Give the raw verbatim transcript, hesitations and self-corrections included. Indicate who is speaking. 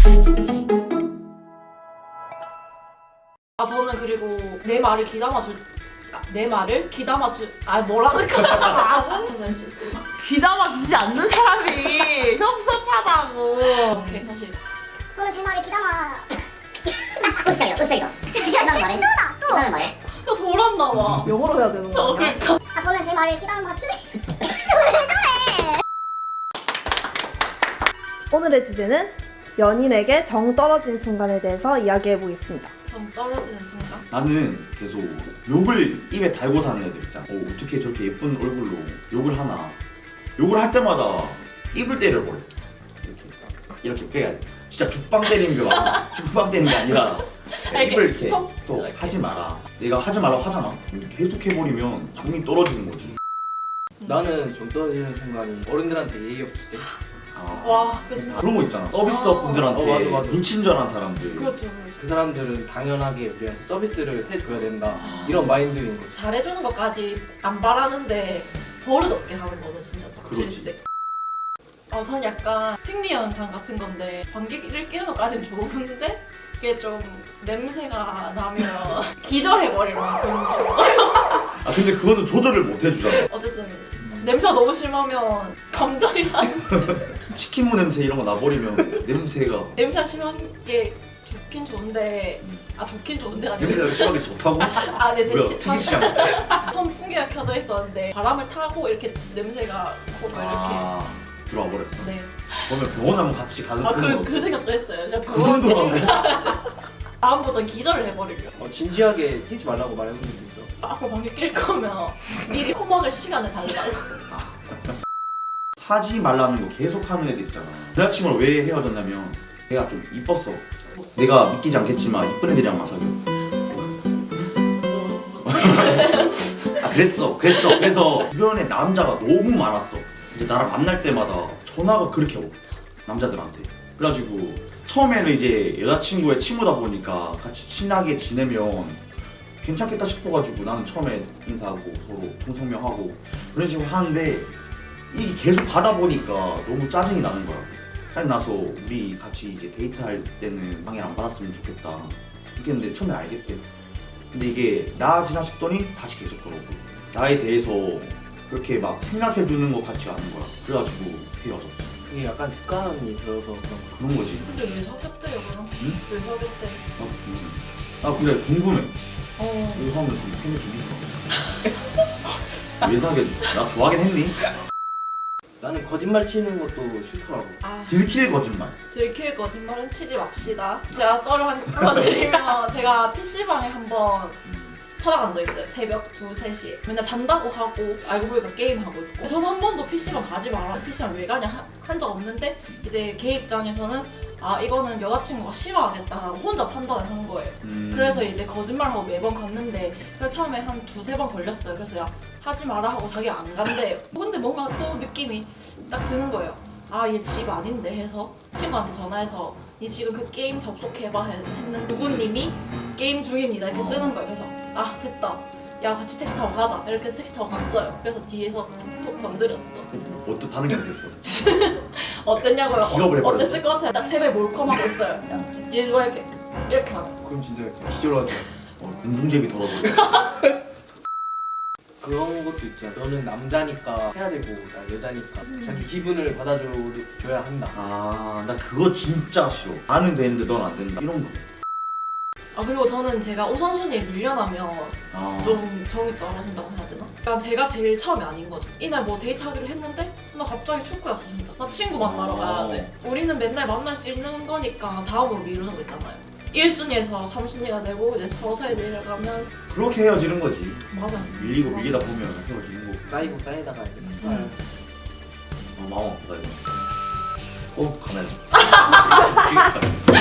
Speaker 1: 아 저는 그리고 내 말을 귀담아 줄, 아, 내 말을 귀담아 줄, 아 뭐라는 거야? 아,
Speaker 2: 귀담아 주지 않는 사람이 섭섭하다고.
Speaker 1: 오케이 다시.
Speaker 3: 저는 제 말을 귀담아. 또 시작이야, 또 시작이다. 나는 말해. 또다, 또. 나는 말해.
Speaker 1: 야 돌았나 봐.
Speaker 2: 영어로 해야 되는
Speaker 1: 어
Speaker 2: 거 아니야?
Speaker 1: 그러니까.
Speaker 3: 아, 저는 제 말을 귀담아 주지.
Speaker 4: 오늘의 주제는 연인에게 정 떨어진 순간에 대해서 이야기해 보겠습니다.
Speaker 1: 전 떨어지는 순간.
Speaker 5: 나는 계속 욕을 입에 달고 사는 애들 있잖아. 어, 어떻게 저렇게 예쁜 얼굴로 욕을 하나. 욕을 할 때마다 입을 때려버려. 이렇게 이렇게 그래 진짜 죽방 때리는 게 아니라 죽방 때리는 게 아니라
Speaker 1: 이렇게
Speaker 5: 입을 이렇게
Speaker 1: 톡.
Speaker 5: 또
Speaker 1: 이렇게.
Speaker 5: 하지 마라. 내가 하지 말라고 하잖아. 계속 해버리면 정이 떨어지는 거지.
Speaker 6: 나는 좀 떨어지는 순간이 어른들한테 예의 없을 때.
Speaker 5: 아,
Speaker 1: 와 그 진짜.
Speaker 5: 그런 거 있잖아. 서비스업 분들한테
Speaker 6: 어, 맞아, 맞아.
Speaker 5: 불친절한 사람들.
Speaker 1: 그렇죠 그렇죠.
Speaker 6: 그 사람들은 당연하게 우리한테 서비스를 해줘야 된다 이런 마인드인 거지.
Speaker 1: 잘해주는 것까지 안 바라는데 버릇 없게 하는 거는 진짜
Speaker 5: 그렇지.
Speaker 1: 질색. 어, 전 약간 생리현상 같은 건데 방귀를 뀌는 것까지는 좋은데 이게 좀 냄새가 나면 기절해버릴 만큼 좀.
Speaker 5: 아 근데 그거는 조절을 못 해주잖아.
Speaker 1: 어쨌든 냄새가 너무 심하면 감당이 안 돼.
Speaker 5: 치킨무 냄새 이런 거 나버리면 냄새가
Speaker 1: 냄새가 심한 게 좋긴 좋은데 아 좋긴 좋은데 아니고
Speaker 5: 냄새가 심하게 좋다고?
Speaker 1: 아, 네, 제
Speaker 5: 뭐야
Speaker 1: 치-
Speaker 5: 특이시한
Speaker 1: 처음 풍기가 켜져 있었는데 바람을 타고 이렇게 냄새가 코로 이렇게
Speaker 5: 아 들어와 버렸어.
Speaker 1: 네.
Speaker 5: 그러면 병원 한번 같이 가는
Speaker 1: 아,
Speaker 5: 거.
Speaker 1: 그, 그 생각도 했어요. 진짜
Speaker 5: 그 정도라고?
Speaker 1: 다음부터는 기절을 해버리려.
Speaker 6: 어, 진지하게 끼지 말라고 말해본 적도 있어.
Speaker 1: 앞으로 방귀 낄 거면 미리 코 막을 시간을 달라고.
Speaker 5: 하지 말라는 거 계속 하는 애들 있잖아. 여자친구랑 왜 헤어졌냐면 걔가 좀 이뻤어. 내가 믿기지 않겠지만 이쁜 애들이랑만 사귀어. 아 그랬어 그랬어 그래서 주변에 남자가 너무 많았어. 이제 나랑 만날 때마다 전화가 그렇게 오고 남자들한테. 그래가지고 처음에는 이제 여자친구의 친구다 보니까 같이 친하게 지내면 괜찮겠다 싶어가지고 나는 처음에 인사하고 서로 통성명하고 그런 식으로 하는데 이게 계속 가다 보니까 너무 짜증이 나는 거야. 짜증 나서 우리 같이 이제 데이트할 때는 방해 안 받았으면 좋겠다 이렇게 했는데 처음에 알겠대. 근데 이게 나아지나 싶더니 다시 계속 그러고 나에 대해서 그렇게 막 생각해주는 것 같지 않은 거야. 그래가지고 헤어졌지.
Speaker 6: 그게 약간 습관이 들어서 그런 거.
Speaker 5: 그런 거지.
Speaker 1: 근데 왜 사귀었대요 그럼?
Speaker 5: 응?
Speaker 1: 왜 사귀었대?
Speaker 5: 나도 궁금해. 아 그래 궁금해.
Speaker 1: 어.
Speaker 5: 이 사람들 좀 팬이 좀 있어. 왜 사귀었니? 나 좋아하긴 했니?
Speaker 6: 나는 거짓말 치는 것도 싫더라고.
Speaker 1: 아.
Speaker 5: 들킬 거짓말.
Speaker 1: 들킬 거짓말은 치지 맙시다. 제가 썰을 한 개 풀어드리면 제가 피시방에 한번 찾아간 적 있어요. 새벽 두, 세 시에. 맨날 잔다고 하고 알고 보니까 게임하고 있고. 저는 한 번도 피시방 가지 마라. 피시방 왜 가냐 한 적 없는데 이제 걔 입장에서는 아 이거는 여자친구가 싫어하겠다라고 혼자 판단을 한 거예요.
Speaker 5: 음.
Speaker 1: 그래서 이제 거짓말하고 매번 갔는데 그래서 처음에 한 두세 번 걸렸어요. 그래서 야 하지 마라 하고 자기가 안 간대요. 근데 뭔가 또 느낌이 딱 드는 거예요. 아 얘 집 아닌데 해서 친구한테 전화해서 니 지금 그 게임 접속해봐 했는데 누구님이 게임 중입니다 이렇게
Speaker 5: 어.
Speaker 1: 뜨는 거예요. 그래서 아 됐다. 야 같이 택시 타고 가자. 이렇게 택시 타고 갔어요. 그래서 뒤에서 톡 건드렸죠.
Speaker 5: 어떻게 반응이 안 됐어?
Speaker 1: 어땠냐고요?
Speaker 5: 기겁을 해버렸어.
Speaker 1: 어땠을 것 같아요? 딱 세배 몰컴하고 있어요. 야, 얘가 이렇게 이렇게 하고.
Speaker 6: 그럼 진짜 기절하지.
Speaker 5: 어, 공중제비 덜어버려.
Speaker 6: 그런 것도 있잖아. 너는 남자니까 해야 되고 난 여자니까 자기 기분을 받아줘야 한다.
Speaker 5: 아, 나 그거 진짜 싫어. 나는 되는데 넌 안 된다. 이런 거.
Speaker 1: 아 그리고 저는 제가 우선순위에 밀려나면
Speaker 5: 아,
Speaker 1: 좀 정이 떨어진다고 해야 되나? 그러니까 제가 제일 처음이 아닌 거죠. 이날 뭐 데이트하기로 했는데 나 갑자기 축구 약속 생겼어. 나 친구 만나러 가야 돼. 우리는 맨날 만날 수 있는 거니까 다음으로 미루는 거 있잖아요. 일 순위에서 삼 순위가 되고 이제 서서히 내려가면
Speaker 5: 그렇게 헤어지는 거지.
Speaker 1: 맞아.
Speaker 5: 밀리고 밀리다 보면 헤어지는 거.
Speaker 6: 쌓이고 쌓이다가 이제
Speaker 1: 음.
Speaker 5: 어, 마음 아프다 이거. 꼭 가면.